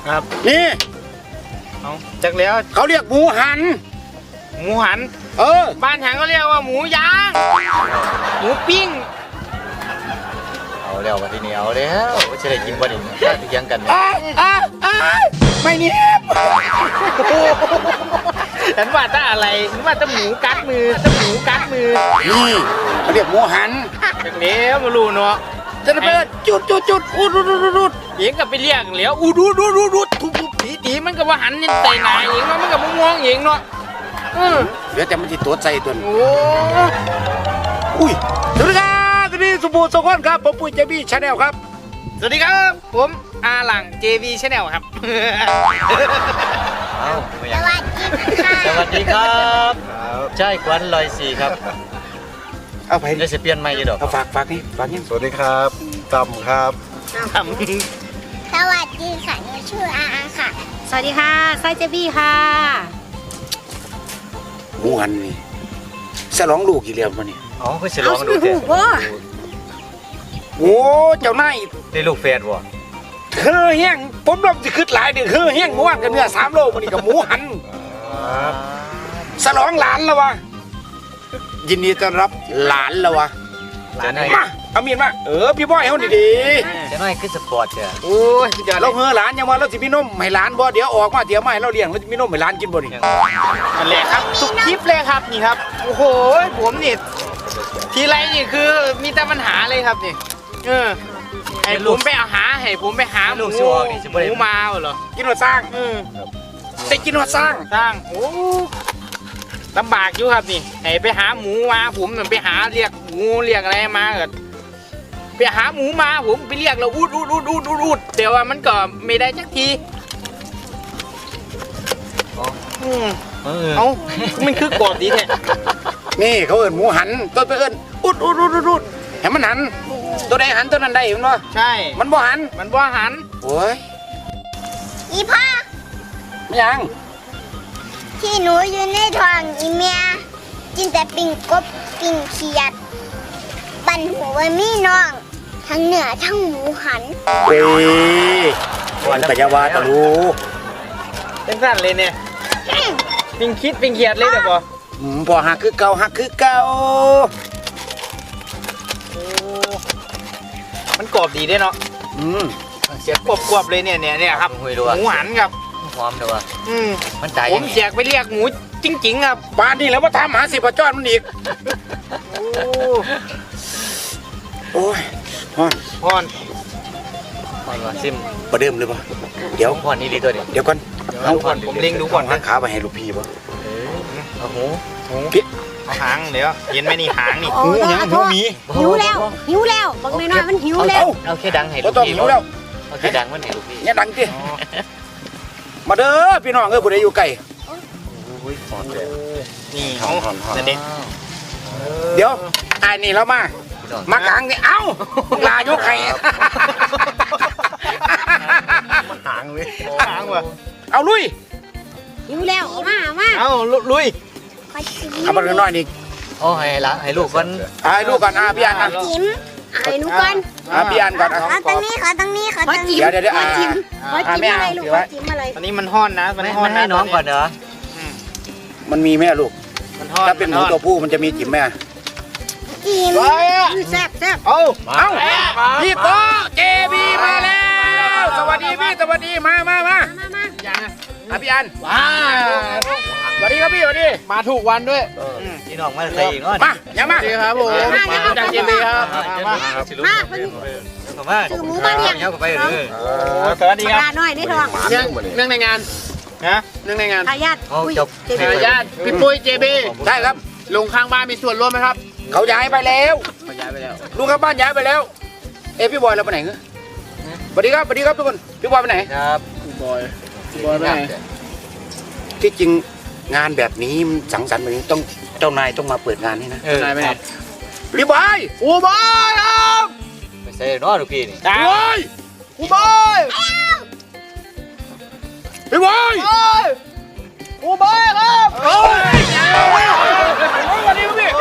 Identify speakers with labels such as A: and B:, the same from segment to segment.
A: ครับ
B: นี่
A: เอาจักแล้ว
B: เขาเรียกหมูหัน
A: บ้านฉันก็เรียกว่าหมูย่างหมูปิ้ง
C: เอาแล้ววันที่นี้เอาแล้วจะได้กินวันนี้ถ้าเถียงกัน
B: ไม่เนียบ
A: ฉันว่าถ้าอะไรฉันว่าถ้าหมูกัดมือ
B: นี่เขาเรียกหมูหัน
A: จักแล้วมารู้เนาะ
B: จะไปจุดอุด
A: เองก็ไปเรียกแล้วอุดูทุบตีมันก็ว่าหันนี่ใส่หนาเองมันก็มองเองเนาะ
B: เดี๋ยวแต่มันติดตัวใจตัวนี้
A: โอ้
B: อุ้ยสวัสดีครับสวัสดีสุภูสกุลครับผมปุ้ยเจบี้ชาแนลครับ
A: สวัสดีครับผมอาหลัง JB Channel ครับ
C: สวัสดีครับใช่ควันลอยสีครับ
B: เอาไป
C: จะเปลี่ยนใหม่ยี่ดอก
B: เอาฝากนี่
D: สวัสดีครับตำครับ
A: สวัสดี
E: ค่ะหนูชื่ออาค่ะ
F: สวัสดีค่ะไซเจบี้ค่ะ
B: หมูหันนี่ฉลองลูกกี่เรียมวะนี่
C: อ๋อเพื่อฉลองดูเถอะ
B: โอ้เจ้านาย
C: ได้ลูกแฝดวะ
B: แห้งผมลองจะขึ้นหลายเดือนแห้งเมื่อวานกันเนื้อ3 โลมันนี่กับหมูหันฉลองหลานแล้ววะยินดีต้อนรับหลานแล้ววะมาเอามีดมาพี่บอยเอาดี
C: จะน้อยขึ้นสปอร์ตเถอะ
B: โอ้ยเราหลานยังว่าเราจะมีนมให้หลานบ่เดี๋ยวออกมาเดี๋ยวมาให้เราเลี้ยงเราจะมีนมให้หลานกินบ่นี่
A: นั่นแหละครับทุกคลิปเลยครับนี่ครับโอ้โหผมนี่ทีไรนี่คือมีแต่ปัญหาเลยครับนี่ให้ผมไปหาหมูมาเหรอ
B: กินหัวสร้างได้กินหัวสร้าง
A: โอ้ลำบากอยู่ครับนี่ให้ไปหาหมูมาผมไปหาเรียกหมูเรียกอะไรมาเกิดไปหาหมูมาผมไปเรียกเราอูดแต่ว่ามันก็ไม่ได้สักทีเอามันคือกรอบดีแท้
B: นี่เขาเอิ้นหมูหันต้นไปเอิ้นอูดให้มันหันตัวใดหันตัวนั้นได้เห็นบ่
A: ใช่
B: มันบ่หันโอ้ย
E: อีพ่อ
B: ไม่ยัง
E: ที่หนูอยู่ในท้องอีเมียกินแต่ปิ้งกบปิ้งเขียดปั่นหัวมีน้องทั้งเนื้อทั้งหมูหัน
B: วันปัญญาวาตะลู
A: เป็นสั้นเลยเนี่ยปิ้งคิดปิ้งเขียดเลยเดี๋ยว
B: พอหักคือเก่า
A: มันกรอบดีด้วยเนาะเสียกรอบเลยเนี่ยครับหมูหันครับ
C: หอมเลยวะมันใจ
A: ผมแจกไปเรียกหมูจริงๆครับ
B: บ้านนี่แล้วว่าทำหา10 จอดมันอีกโอ้ย
A: พอน
C: ว่ะซิม
B: ประเดิมเลยป่ะเดี๋ยว
C: พอนนี่ดีตัวเดี๋
B: ยวก่อน
A: เอาก่อนผมเล็งดูก่อน
B: นะขาไปให้ลูกพี่ป่ะ
C: โอ้โห
B: พี่
A: หางเดี๋ยวเห็นไหมนี่หางนี่
B: หูมี
F: หิวแล้วบางน้อยมันหิวแล้ว
C: เอาแค่ดังให้ลูกพี่เอาแค่ดังมันให้ลูกพี่
B: เนี่ยดังดิมาเด้อพี่น้องผู้ใดอยู่ไกล
A: นี่เขาเด็ด
B: เดี๋ยวไอ้นี่เรามากลางนี่เอ้าลายกไข่
A: หางว่ะ
B: เอาลุย
F: หิวแล้วมา
A: เอาลุย
B: เอามาหน่อยนี่
C: โอ้ให้ลูกก่อน
B: พี่อัน
E: จิ้มไอ้หนูก่อน
B: พี่อันก่อน
E: ขอตรงนี้ขอจิ้ม
B: เดี๋ยว
E: จิ้มอะไรลูกจิ้มอะไร
A: อันนี้มันห้อนนะมันห้อน
C: ให้น้องก่อนเหรอ
B: มันมีแม่ลูกถ้าเป็นหมูตัวผู้มันจะมีจิ้มแม่
E: จิ้มแซ่บ
B: เอาพี่โก้เจบีมาแล้วสวัสดีพี่สวัสดีมาพี่อันสวัสดีครับพี่สวัสดี
A: มาถูกวันด้วย
C: พี่น้องมาใส่อีก
B: มาอย่ามา
A: ครับผมจากเจบีครับ
C: มา
F: ซื้อหมูมาเลี้ยง
A: สวัสดีครับ
F: น้อยในท้อง
A: เรื่องในงานนะเรื่องในงาน
F: ทายาท
A: พี่ปุ้ยเจบี
B: ใช่ครับ
A: ลงข้างบ้านมีส่วนร่วมไหมครับ
B: เขาย้ายไปแล้วลุงข้างบ้านย้ายไปแล้วพี่บอยเราไปไหนเงี้ยสวัสดีครับทุกคนพี่บอยไปไหน
C: ครับ
A: พี่บอยไปไหน
B: ที่จริงงานแบบนี้สังสรรค์แบบนี้ต้องเจ้านายต้องมาเปิดงานนี่นะ
A: นายไปไหน
B: พี่บอยครับ
C: ไม่ใช่น้องลูกพี่นี่
B: พี่บอยพี่บอยครับวันนี้พี่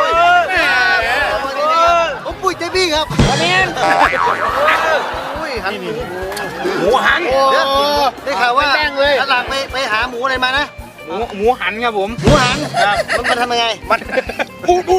A: ผมปุ้ยเจบี้ครับ
B: วันนี้
A: อุ้ยหัน
B: หมูหัน
C: เดี๋ยวได้ข่าวว่า
A: แป้งเลย
C: หลังไปหาหมูอะไรมานะ
A: หมูหันครับผม
C: หมูหันมันทำยังไง
A: มันอูด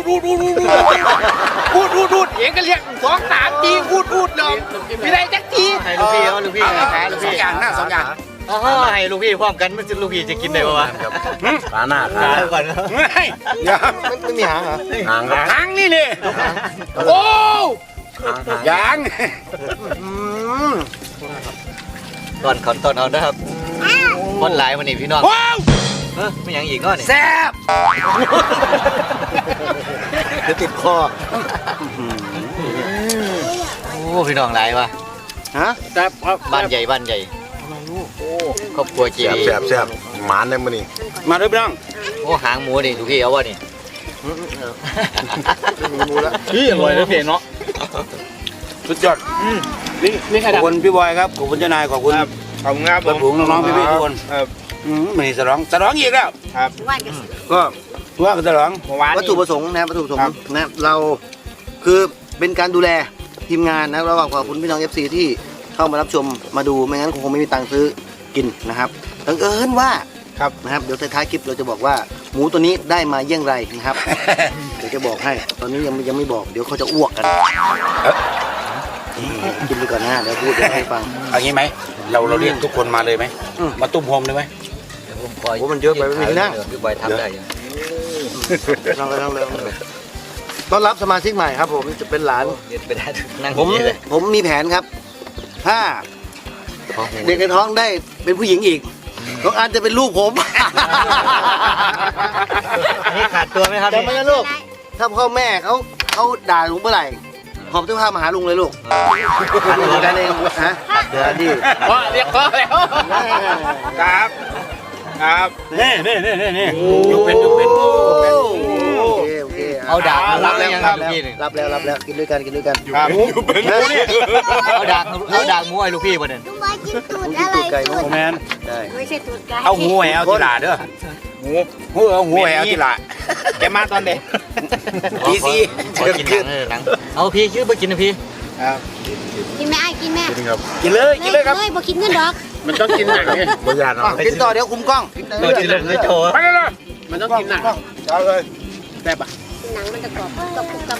A: เองก็เรียก2-3 ทีอูดเนาะไม่ได้จักที
C: ให้ลูกพี่ลูกพี่หาลูก
B: สอ
C: พี่
B: งอย่างนะ2 อย่าง
C: ให้ลูกพี่พร้อมกันมันจะลูกพี่จะกินได้ปะวะ
D: ขาหน้า
C: หาก่อน
D: ไม่มีหางเหรอหางครับ
B: หางนี่นี่โอ้ยาง
C: ก่อนเอานะครับคนหลายวันนี้พี่น้อง
B: ว้าว
C: ไม่ยังอีกก็นี่
B: แซ่บ
C: เดี๋ยวติดคอโอ้พี่น้องหลายวะ
D: ฮะ
C: บ้านใหญ่ครอบครัวจี
D: แซ่บหมานได้มื้อนี้
B: มาด้วยพี่น้อง
C: โอ้หางหมูนี่ลูกพี่เอาวะนี่
A: พี่อร่อยนะพี่เนาะ
B: สุดยอด
A: นี่ใคร
B: ขอบ
A: ดับ
B: คุณพี่บอยครับขอบคุณเจ้านายขอบคุณ
A: ขอบคุณครับ
B: เพื่อนฝูงน้องๆพี่ๆทุกคน
A: ครับ
B: มันนี่สลองอีกแล้ว
F: ว่านกัน
B: ก็ว่ากันสลอง
A: เมื่อวาน
C: วัตถุประสงค์นะครับวัตถุประสงค์นะเราคือเป็นการดูแลทีมงานนะระหว่างขอบคุณพี่น้อง FC ที่เข้ามารับชมมาดูไม่งั้นคงไม่มีตังค์ซื้อกินนะครับบังเอิญว่านะครับเดี๋ยวท้ายๆคลิปเราจะบอกว่าหมูตัวนี้ได้มาเยี่ยงไรนะครับ เดี๋ยวจะบอกให้ตอนนี้ยังไม่บอกเดี๋ยวเขาจะอ้วกกันกินไปก่อนนะเดี๋ยวพูดให้ฟัง
B: เอางี้ไหมเราเรียกทุกคนมาเลยไหมมาตุ้มโฮมเลยไหม
C: โอ้มันเยอะไปไม่มีนั่งพี่บอยทำได้ยังนั่งเลยต้อนรับสมาชิกใหม่ครับผมจะเป็นหลานผมมีแผนครับ ถ้าเด็กในท้องได้เป็นผู้หญิงอีกน้องอันจะเป็นลูกผม
A: นี่ขาดตัวไหมครับ
C: จำไว้นะลูก ถ้าพ่อแม่เขาด่าลุงเมื่อไหร่หอบเสื้อผ้ามาหาลุงเลยลูกดูได้เลยฮะเดี๋ยวดิ
A: พ่อเรียกพ่อแล้วครับ
B: นี่ยกเป็น
C: โอเคเอาด่ารับแล้วครับรับแล้วกินด้วยกัน
A: ครับ
C: เอาด่าหมูไอ้ลูกพี่มาเนี่ย
E: ลุงบอยกินตูดอะไรตูด
B: แมน
C: ได้
F: ไม่ใช่ตูดไก่
B: เอาหูแหววที่หลาเด้อ
A: หมู
B: เอาหูแหววที่หลา
A: แกมาตอนเด็ก
B: ตีซี
C: ขอกินหนังเอาพี่ชื่อไปกินนะพี่
F: กินแม่ไอ้กินแม่
B: กินเลยครับ
F: เลยบ่กินเงินดอก
A: มันต้องกินหนังเนี่ย
D: บ่ยานเนาะ
C: กินต่อเดี๋ยวคุมกล้อง
A: กินเลยโชว์
B: ไปเลย
A: มันต้องกินหนัง
D: เอาเลย
A: แบบอ่ะ
F: หนังมันจะกรอบกับ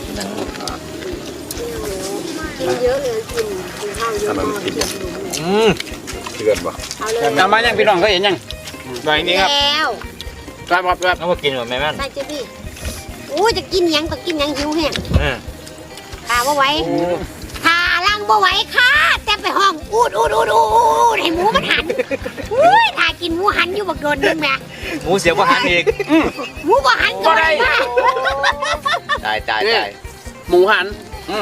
F: กินเยอะเลยกินข้าวเยอะมาก
D: เถื่อนป่ะ
F: เอาเลย
B: ทำมายังพี่น้องเขาเห็นยัง
A: แบบนี้ครับ
F: แล้ว
A: แบบ
C: เอามากินก่อนแม่แม่
F: ใส่เจ๊พี่โอ้จะกินยังก็กินยังหิวแห้งขาบ่ไหวขาล่างบ่ไหวค่ะแต่ไปห้องอูดให้หมูมันหันอุ้ยถ้ากินหมูหันอยู่บักโดนนึงแม่
C: หมูเสียบว่าหันอีก
F: หมูบ่หันก็ได้
C: ตาย
A: หมูหัน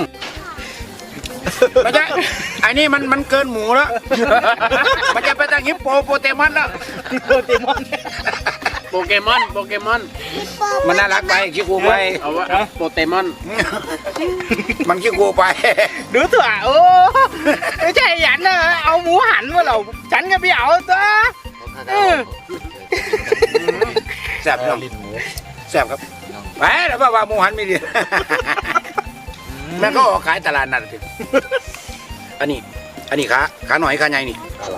B: ไม่ใช่ไอ้นี่มันเกินหมูแล้ว มันจะไปทางฮิปโปโปเตมอนแล้ว
A: โปเกมอน
B: มันน่ารักไปคิดกูไป
A: เอาว่าโปเกมอน
B: มันคิดกูไป
A: ดูตัวโอ้ไม่ใช่หยันนะเอาหมูหันมาเราฉันก็ไปเอาตัว
B: แซ่บพี่น้องแซ่บครับไปแล้วว่าหมูหันไม่ดีแม่ก็ออกขายตลาดนัดสิอันนี้ขาหน่อยขาใหญ่นี่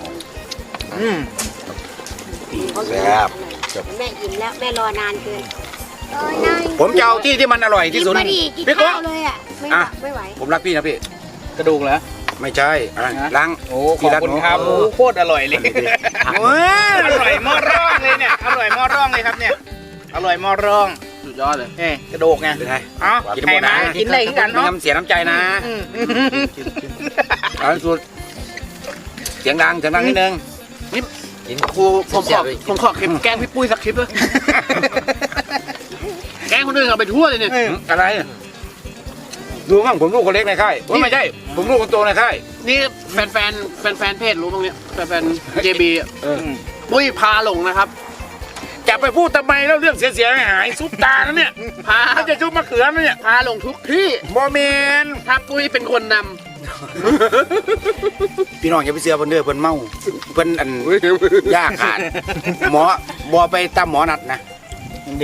D: แซ่บ
F: แม่อิ่มแล้วแม่รอนานเกิน
B: ผมจะเอาที่มันอร่อยที่สุด
F: กินมาดิกิน
B: พี่โก้
F: ข้าวเลยอ่ะไม่ไหว
B: ผมรักพี่นะพี่
A: กระดูกเหรอ
B: ไม่ใช่ล้าง
A: โอ้ขอบคุณครับโอ้โคตรอร่อยเลยอร่อยหม้อร่องเลยเนี่ยอร่อยหม้อร่องเลยครับเนี่ยอร่อยหม้อร่องสุดยอดเลยเอ้กระดูกไง
B: เป็นไง
A: เอ้าใครมากินได้กัน
B: มี
A: เนาะ
B: คำเสียน้ำใจนะเอาสุดเสียงดังนิดนึง
C: กิน
A: ผมขอคลิปแกล้งพี่ปุ้ยสักคลิปเลยแกล้งคนอื่นเอาไปทั่วเลยเนี่ย
B: อะไรดูบ้างผมลูกคนเล็กในค่ายไม่ใช่ผมลูกคนโตในค่าย
G: นี่แฟนเพจรู้บ้างเนี่ยแฟน JB ปุ้ยพาหลงนะครับ
B: จะไปพูดทำไมแล้วเรื่องเสียหายซุปตานะเนี่ย
G: พา
B: เขาจะชุบมะเขือนะเนี่ย
G: พาหลงทุกที่
B: บอเมน
G: ถ้าปุ้ยเป็นคนน
B: พี่น้องอย่าไปเสือเพิ่นเด้อเพิ่นเมาเพิ่นอันยาขาดหมอบอไปตามหมอนัดนะ
A: ดิ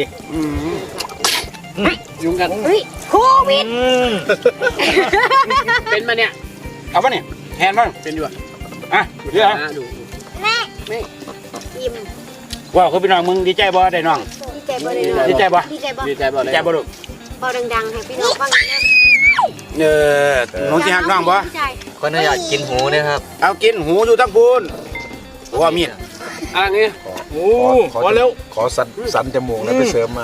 G: ยุ่งกัน
F: เฮ้ยโควิด
G: เป็นมาเนี่ย
B: เอาปะเนี่ยแฮนบ้าง
G: เป็นอยู่อะ
B: อ่ะเดี๋ยว
G: ดู
E: แม่
F: ยิ้ม
B: ว้าวคุณพี่น้องมึงดีใจบ่ได้น้อง
F: ดีใจบ่ได้เนาะ
B: ดีใจบ่
F: ดีใจบ่
G: ดีใจบ่
B: ดี
G: เลย
B: ใจบ่ลูก
F: บ่ดังๆให้พี่น้องฟังนะ
B: หนูสิหักน้องบ่
F: ใช่
H: คนน่าอยากกินหูนะครับ
B: เอากินหูอยู่ทั้งพูนว่ามีด
G: อ่ะงี้
A: โอ้พอแล้ว
D: ขอสันจมูกแล้วไปเสริมมา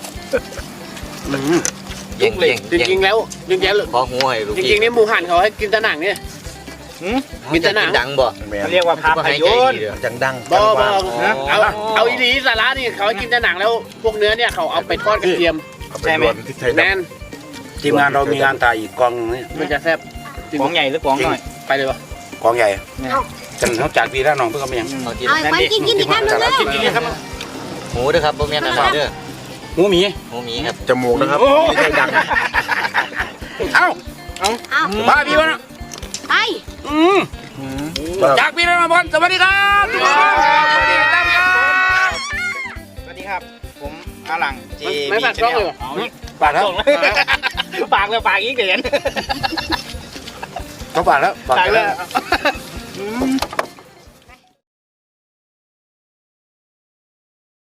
H: เย่งเย่ง
G: จริงๆแล้วจริงๆแล้ว
H: ขอหูให้ลูก
G: จริงๆนี่หมูหันเขาให้กินแต่หนังเนี่ย กินแต่หนัง
H: ดังบ่
D: แม่
A: เขาเรียกว่าภาพยนตร์
D: จังดัง
G: บ่
D: จัง
G: บ่
D: ว่าง
G: เอาอีหลีสาระนี่เขาให้กินแต่หนังแล้วพวกเนื้อเนี่ยเขาเอาไปทอดกระเทียม
D: เอาไปรวนที่ไทย
G: แม
D: ดำ
G: น
B: ทีมงานเรามีงานถ่ายอีกกองนึง
G: มันจะแซ่บ
A: ของใหญ่หรือของน้อย
G: ไปเลยปะ
B: กองใหญ่จันเขาจากพี่แล้วน้องเพิ่งเอาไปยัง
H: เอากิน
F: เอาไปกินอีกคำหนึงเด้อ
B: กินครับ
H: หูด้วยครับบ่แม่นนะครับเด้อ
B: หมูหมี
H: หูหมีครับ
D: จมูกนะครับไม่ใช่ดัง
B: เอ้า
F: เอา
B: บ้าพี่วะนะ
F: ไป
B: จากพี่แล้วน้องบอลสวัสดีครับสวัสดีครับ
A: สวัสดีครับ ผมอาหลังจี
G: ไม่ฝากช่องเลยปะ
B: ปากแล้ว
A: ปากเลยปากอีกเดือน
B: เขาปากแล้ว
A: ปากเลย